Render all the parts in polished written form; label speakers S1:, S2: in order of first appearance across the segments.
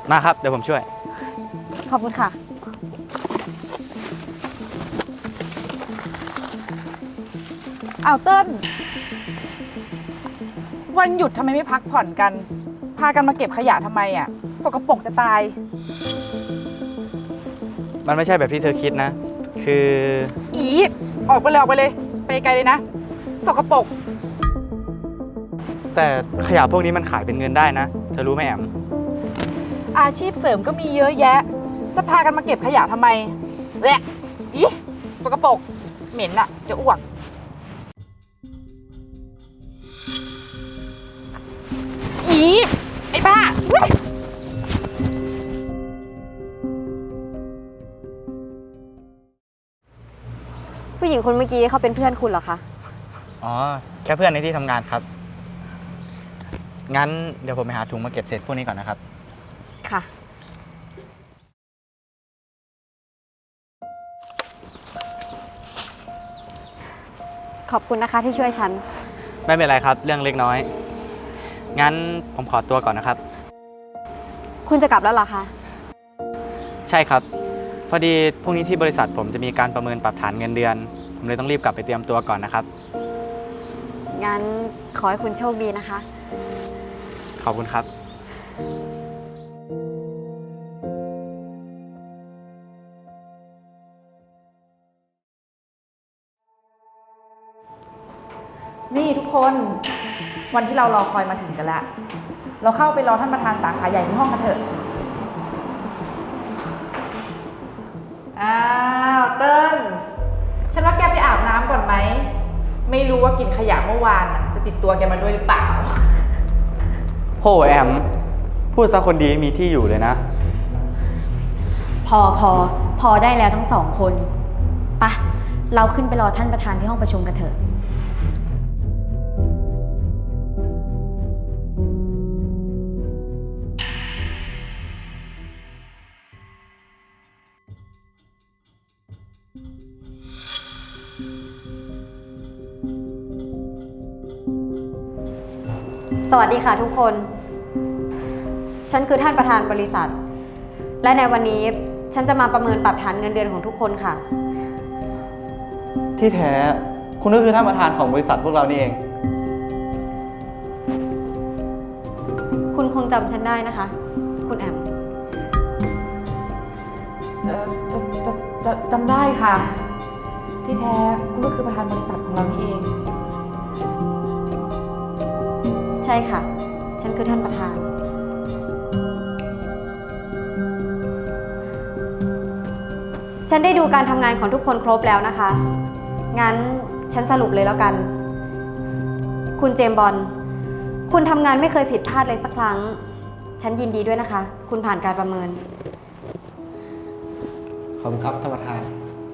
S1: มาครับเดี๋ยวผมช่วย
S2: ขอบคุณค่ะเอาเติ้ลวันหยุดทำไมไม่พักผ่อนกัน พากันมาเก็บขยะทำไมอ่ะสกปรกจะตาย
S1: มันไม่ใช่แบบที่เธอคิดนะ คือ
S2: อีออกไปเลยออกไปเลย ไปไกลเลยนะ สกปรก
S1: แต่ขยะพวกนี้มันขายเป็นเงินได้นะ เธอรู้ไหมแอม
S2: อาชีพเสริมก็มีเยอะแยะ จะพากันมาเก็บขยะทำไมแหละอีสกปรกเหม็นอ่ะ จะอ้วกอีไอ้บ้าเว้ย
S3: ผู้หญิงคนเมื่อกี้เขาเป็นเพื่อนคุณเหรอคะ
S1: อ๋อ แค่เพื่อนในที่ทำงานครับ งั้นเดี๋ยวผมไปหาถุงมาเก็บเศษพวกนี้ก่อนนะครับ
S3: ค่ะ ขอบคุณนะคะที่ช่วยฉัน
S1: ไม่เป็นไรครับ เรื่องเล็กน้อย งั้นผมขอตัวก่อนนะครับ
S3: คุณจะกลับแล้วเหรอคะ
S1: ใช่ครับ พอดีพรุ่งนี้ที่บริษัทผมจะมีการประเมินปรับฐานเงินเดือน ผมเลยต้องรีบกลับไปเตรียมตัวก่อนนะครับ
S3: งั้นขอให้คุณโชคดีนะคะ
S1: ขอบคุณครับ
S2: นี่ทุกคนวันที่เรารอคอยมาถึงกันแล้ว เราเข้าไปรอท่านประธานสาขาใหญ่ที่ห้องกันเถอะ อ้าวเติ้ลฉันว่าแกไปอาบน้ำก่อนไหม ไม่รู้ว่ากินขยะเมื่อวานน่ะจะติดตัวแกมาด้วยหรือเปล่า
S1: โหแอม พูดซะคนดีมีที่อยู่เลยนะ
S4: พอได้แล้วทั้งสองคนปะเราขึ้นไปรอท่านประธานที่ห้องประชุมกันเถอะ
S3: สวัสดีค่ะทุกคน ฉันคือท่านประธานบริษัท และในวันนี้ฉันจะมาประเมินปรับฐานเงินเดือนของทุกคนค่ะ
S5: ที่แท้คุณก็คือท่านประธานของบริษัทพวกเรานี่เอง
S3: คุณคงจำฉันได้นะคะ คุณแอม
S2: จำได้ค่ะ ที่แท้คุณก็คือประธานบริษัทของเรานี่เอง
S3: ใช่ค่ะ ฉันคือท่านประธาน ฉันได้ดูการทำงานของทุกคนครบแล้วนะคะ งั้นฉันสรุปเลยแล้วกัน คุณเจมส์บอล คุณทำงานไม่เคยผิดพลาดเลยสักครั้ง ฉันยินดีด้วยนะคะ คุณผ่านการประเมิน
S5: ขอบคุณครับท่านประธาน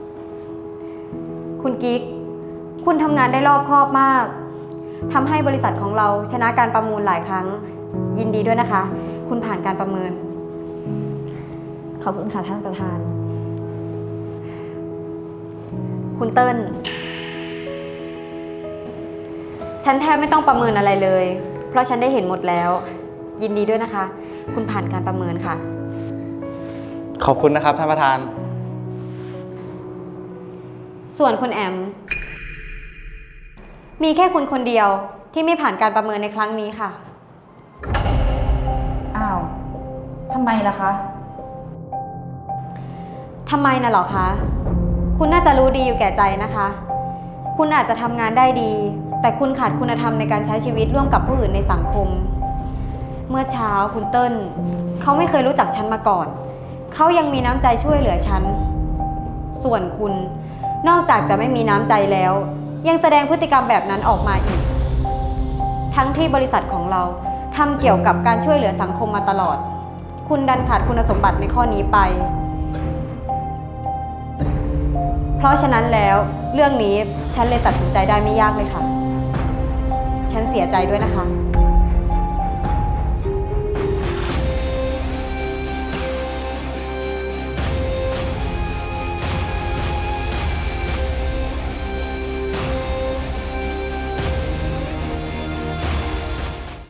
S3: คุณกิ๊ก คุณทำงานได้รอบคอบมาก ทำให้บริษัทของเราชนะการประมูลหลายครั้ง ยินดีด้วยนะคะ คุณผ่านการประเมิน
S4: ขอบคุณค่ะท่านประธาน
S3: คุณเติ้ล ฉันแทบไม่ต้องประเมินอะไรเลย เพราะฉันได้เห็นหมดแล้ว ยินดีด้วยนะคะ คุณผ่านการประเมินค่ะ
S5: ขอบคุณนะครับท่านประธาน
S3: ส่วนคุณแอม มีแค่คุณคนเดียวที่ไม่ผ่านการประเมินในครั้งนี้ค่ะ
S2: อ้าว ทำไมล่ะคะ
S3: ทำไมน่ะเหรอคะ คุณน่าจะรู้ดีอยู่แก่ใจนะคะ คุณอาจจะทำงานได้ดี แต่คุณขาดคุณธรรมในการใช้ชีวิตร่วมกับผู้อื่นในสังคม เมื่อเช้าคุณเติ้ลเขาไม่เคยรู้จักฉันมาก่อน เขายังมีน้ำใจช่วยเหลือฉัน ส่วนคุณนอกจากจะไม่มีน้ำใจแล้ว ยังแสดงพฤติกรรมแบบนั้นออกมาอีก ทั้งที่บริษัทของเราทำเกี่ยวกับการช่วยเหลือสังคมมาตลอด คุณดันขาดคุณสมบัติในข้อนี้ไป เพราะฉะนั้นแล้วเรื่องนี้ฉันเลยตัดสินใจได้ไม่ยากเลยค่ะ ฉันเสียใจด้วยนะคะ